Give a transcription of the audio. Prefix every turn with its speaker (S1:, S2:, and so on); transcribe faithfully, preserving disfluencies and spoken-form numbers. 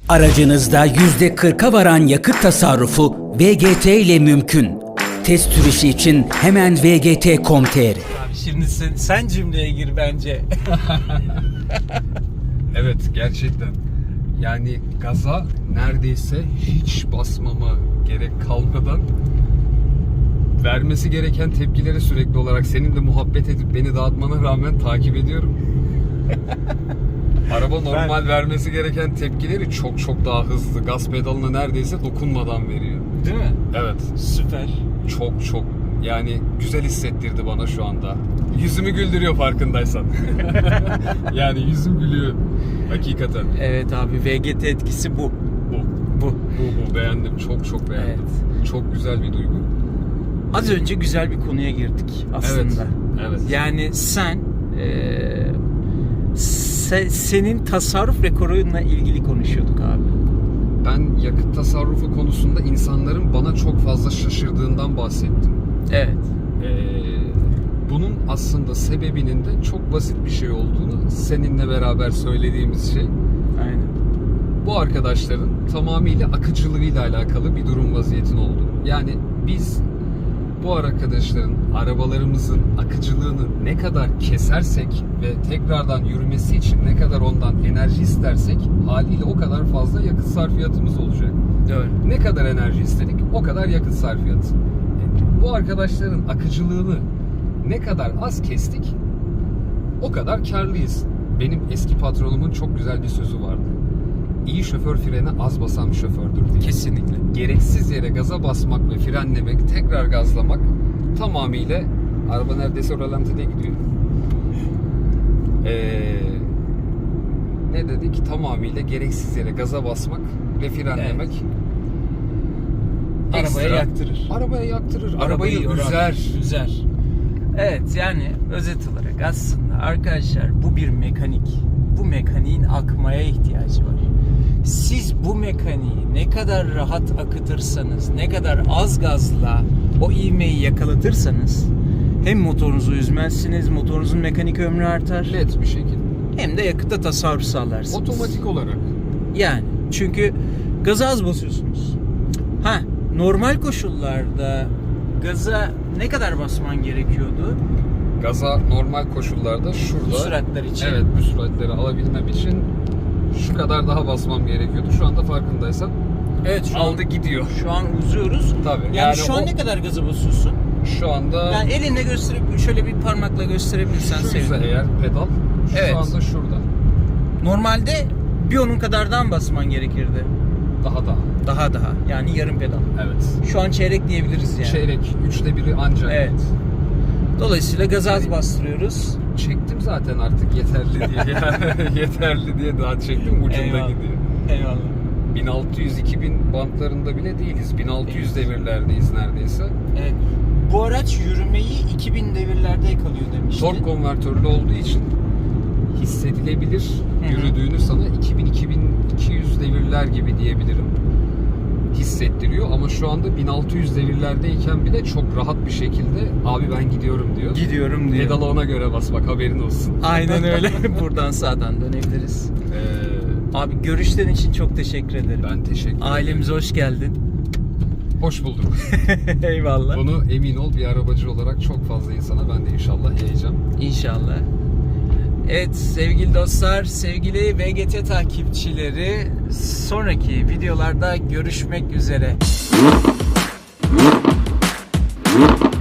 S1: Aracınızda yüzde kırka varan yakıt tasarrufu V G T ile mümkün. Test sürüşü için hemen v g t nokta com nokta t r.
S2: Abi şimdi sen, sen cümleye gir bence.
S3: Evet, gerçekten. Yani gaza neredeyse hiç basmama gerek kalmadan vermesi gereken tepkileri sürekli olarak seninle muhabbet edip beni dağıtmana rağmen takip ediyorum. Araba normal ben... vermesi gereken tepkileri çok çok daha hızlı. Gaz pedalına neredeyse dokunmadan veriyor.
S2: Değil mi?
S3: Evet.
S2: Süper.
S3: Çok çok yani güzel hissettirdi bana şu anda. Yüzümü güldürüyor farkındaysan. Yani yüzüm gülüyor. Hakikaten.
S2: Evet abi, V G T etkisi bu.
S3: Bu.
S2: Bu.
S3: Bu, bu. Beğendim. Çok çok beğendim.
S2: Evet.
S3: Çok güzel bir duygu.
S2: Az önce güzel bir konuya girdik aslında.
S3: Evet. Evet.
S2: Yani sen e, se, senin tasarruf rekorunla ilgili konuşuyorduk abi.
S3: Ben yakıt tasarrufu konusunda insanların bana çok fazla şaşırdığından bahsettim.
S2: Evet.
S3: Ee, bunun aslında sebebinin de çok basit bir şey olduğunu seninle beraber söylediğimiz şey.
S2: Aynen.
S3: Bu arkadaşların tamamıyla akıcılığıyla alakalı bir durum vaziyetin oldu. Yani biz bu arkadaşların arabalarımızın akıcılığını ne kadar kesersek ve tekrardan yürümesi için ne kadar ondan enerji istersek haliyle o kadar fazla yakıt sarfiyatımız olacak.
S2: Doğru.
S3: Ne kadar enerji istedik o kadar yakıt sarfiyatı. Bu arkadaşların akıcılığını ne kadar az kestik o kadar karlıyız. Benim eski patronumun çok güzel bir sözü vardı. İyi şoför frene az basan bir şofördür diye.
S2: Kesinlikle.
S3: Gereksiz yere gaza basmak ve frenlemek, tekrar gazlamak tamamıyla araba neredeyse ralantide gidiyor. Ee, ne dedik? Tamamıyla gereksiz yere gaza basmak ve frenlemek.
S2: Evet.
S3: Ekstra,
S2: Arabaya yaktırır.
S3: Arabaya yaktırır. Arabayı,
S2: Arabayı
S3: üzer.
S2: Üzer. Evet, yani özet olarak aslında arkadaşlar bu bir mekanik. Bu mekaniğin akmaya ihtiyacı var. Siz bu mekaniği ne kadar rahat akıtırsanız, ne kadar az gazla o ivmeyi yakalatırsanız hem motorunuzu üzmezsiniz, motorunuzun mekanik ömrü artar.
S3: Net bir şekilde.
S2: Hem de yakıtta tasarruf sağlarsınız.
S3: Otomatik olarak.
S2: Yani çünkü gaza az basıyorsunuz. Ha, normal koşullarda gaza ne kadar basman gerekiyordu?
S3: Gaza normal koşullarda şurada.
S2: Bu süratler için.
S3: Evet, bu süratleri alabilmem için şu kadar daha basmam gerekiyordu. Şu anda farkındaysan.
S2: Evet, şu
S3: aldı
S2: an,
S3: gidiyor.
S2: Şu an uzuyoruz.
S3: Tabii.
S2: Yani,
S3: Yani
S2: şu an
S3: o-
S2: ne kadar gaza basıyorsun?
S3: Şu anda
S2: Yani elinle gösterip şöyle bir parmakla gösterebilirsen
S3: şuysa
S2: sevinirim.
S3: eğer pedal şu
S2: Evet.
S3: anda şurada.
S2: Normalde bir onun kadardan basman gerekirdi.
S3: Daha daha.
S2: Daha daha. Yani yarım pedal.
S3: Evet.
S2: Şu an çeyrek diyebiliriz yani.
S3: Çeyrek. Üçte biri ancak.
S2: Evet. Dolayısıyla gaza az bastırıyoruz.
S3: Çektim zaten artık yeterli diye. Yeterli diye daha çektim. Ucunda
S2: Eyvallah.
S3: gidiyor.
S2: Eyvallah.
S3: bin altı yüz iki bin bantlarında bile değiliz. bin altı yüz devirlerdeyiz neredeyse.
S2: Evet. Bu araç yürümeyi iki bin devirlerde yakalıyor demiştin.
S3: Tork konvertörlü olduğu için hissedilebilir
S2: Hı hı.
S3: yürüdüğünü sana iki bin iki bin iki yüz devirler gibi diyebilirim. Hissettiriyor ama şu anda bin altı yüz devirlerdeyken bile çok rahat bir şekilde abi ben gidiyorum diyor.
S2: Gidiyorum diyor.
S3: Pedala ona göre bas bak haberin olsun.
S2: Aynen öyle. Buradan sağdan dönebiliriz.
S3: Ee,
S2: Abi görüşlerin için çok teşekkür ederim.
S3: ben teşekkür ederim.
S2: Ailemize hoş geldin.
S3: Hoş bulduk.
S2: Eyvallah.
S3: Bunu emin ol bir arabacı olarak çok fazla insana ben de inşallah yayacağım.
S2: İnşallah. Evet sevgili dostlar, sevgili V G T takipçileri, sonraki videolarda görüşmek üzere.